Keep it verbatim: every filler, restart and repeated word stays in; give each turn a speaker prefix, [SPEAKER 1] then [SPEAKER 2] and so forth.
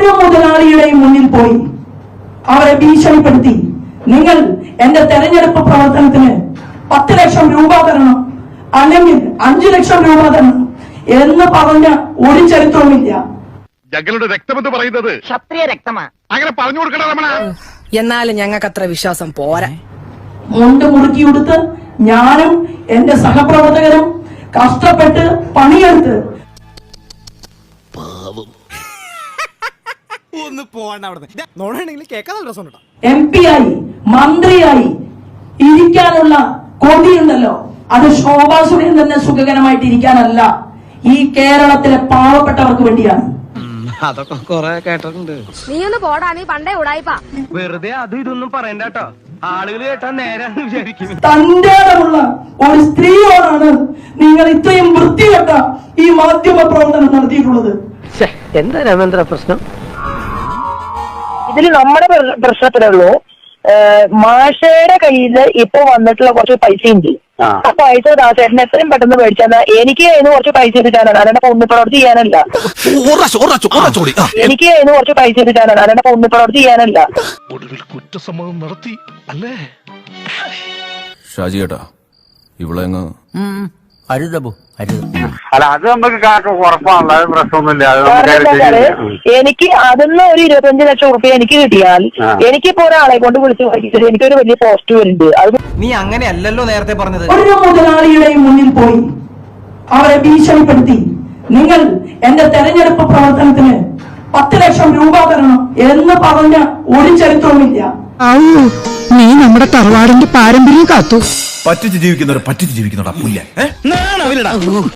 [SPEAKER 1] ഒരു മുതലാളിയുടെയും മുന്നിൽ പോയി അവരെ ഭീഷണിപ്പെടുത്തി നിങ്ങൾ എന്റെ തെരഞ്ഞെടുപ്പ് പ്രവർത്തനത്തിന് പത്ത് ലക്ഷം രൂപ തരണം, അല്ലെങ്കിൽ അഞ്ചു ലക്ഷം രൂപ തരണം എന്ന് പറഞ്ഞ ഒരു ചരിത്രവുമില്ല.
[SPEAKER 2] ഞങ്ങളുടെ രക്തമെന്ന് പറയുന്നത്
[SPEAKER 3] ക്ഷത്രിയ രക്തമാ,
[SPEAKER 2] അങ്ങനെ പറഞ്ഞു കൊടുക്കണ രമണ.
[SPEAKER 4] എന്നാലും ഞങ്ങൾക്ക് അത്ര വിശ്വാസം പോരാ.
[SPEAKER 1] മുണ്ട് മുറുക്കിയെടുത്ത് ഞാനും എന്റെ സഹപ്രവർത്തകരും കഷ്ടപ്പെട്ട് പണിയെടുത്ത് എം പി ആയി മന്ത്രിയായി ഇരിക്കാനുള്ള കൊതിയുണ്ടല്ലോ, അത് ശോഭാ സുരേന്ദ്രന് സുഖകരമായിട്ട് ഇരിക്കാനല്ല, ഈ കേരളത്തിലെ പാവപ്പെട്ടവർക്ക് വേണ്ടിയാണ്.
[SPEAKER 5] അതൊക്കെ കൊറേ കേട്ടിട്ടുണ്ട്.
[SPEAKER 6] നീ ഒന്ന് പോടാ, നീ പണ്ടേ ഉടായിപ്പാ.
[SPEAKER 5] വെറുതെ അതും ഇതൊന്നും പറയണ്ട കേട്ടോ, ആളുകൾ കേട്ടാ നേരാന്ന് വിചാരിക്കും.
[SPEAKER 1] തന്റെ ഇടമുള്ള ഒരു സ്ത്രീയോടാണ് നിങ്ങൾ ഇത്രയും വൃത്തികെട്ട ഈ മാധ്യമ പ്രവർത്തനം നടത്തിയിട്ടുള്ളത്.
[SPEAKER 3] എന്താ രാമേന്ദ്ര പ്രശ്നം?
[SPEAKER 7] ഇതിൽ നമ്മുടെ പ്രശ്നത്തിലേ ഉള്ളൂ, മാഷയുടെ കയ്യിൽ ഇപ്പൊ വന്നിട്ടുള്ള കുറച്ച് പൈസ ഉണ്ട്. ആ പൈസ ദാസേട്ടന് എത്രയും പെട്ടെന്ന് മേടിച്ചാൽ എനിക്ക് അതിന് കുറച്ച് പൈസ എടുക്കാനാണ്, അല്ലാണ്ട് പൊണ്ണിപ്രവർത്തി ചെയ്യാനല്ല. എനിക്ക് അതിന് കുറച്ച് പൈസ എടുക്കാനാണ്, അല്ലാണ്ട് പൊണ്ണിപ്രവർത്തി ചെയ്യാനല്ല.
[SPEAKER 2] ഒടുവിൽ കുറ്റസമ്മതം നടത്തി അല്ലേ
[SPEAKER 8] ഷാജി ഏട്ടാ? ഇവിടെ
[SPEAKER 9] അല്ല, അത് നമുക്ക് ഉറപ്പാണല്ലോ, അത് പ്രശ്നമൊന്നുമില്ല.
[SPEAKER 7] എനിക്ക് അതിന്ന് ഒരു ഇരുപത്തഞ്ച് ലക്ഷം റുപ്യ എനിക്ക് കിട്ടിയാൽ എനിക്കിപ്പോ ഒരാളെ കൊണ്ട് വിളിച്ച് വായിച്ചിട്ട് എനിക്കൊരു വലിയ പോസ്റ്റ് വരുന്നുണ്ട്. അത്
[SPEAKER 5] നീ അങ്ങനെയല്ലല്ലോ നേരത്തെ പറഞ്ഞത്.
[SPEAKER 1] ഒരു മുതലാളിയുടെയും മുന്നിൽ പോയി അവരെ ഭീഷണിപ്പെടുത്തി നിങ്ങൾ എന്റെ തെരഞ്ഞെടുപ്പ് പ്രവർത്തനത്തിന് പത്ത് ലക്ഷം രൂപ തരണം എന്ന് പറഞ്ഞ ഒരു ചരിത്രവുമില്ല.
[SPEAKER 4] നീ നമ്മുടെ തറവാടിന്റെ പാരമ്പര്യം കാത്തു.
[SPEAKER 8] പറ്റിച്ച് ജീവിക്കുന്നവരെ പറ്റിച്ച് ജീവിക്കുന്നവരാ പുല്ല.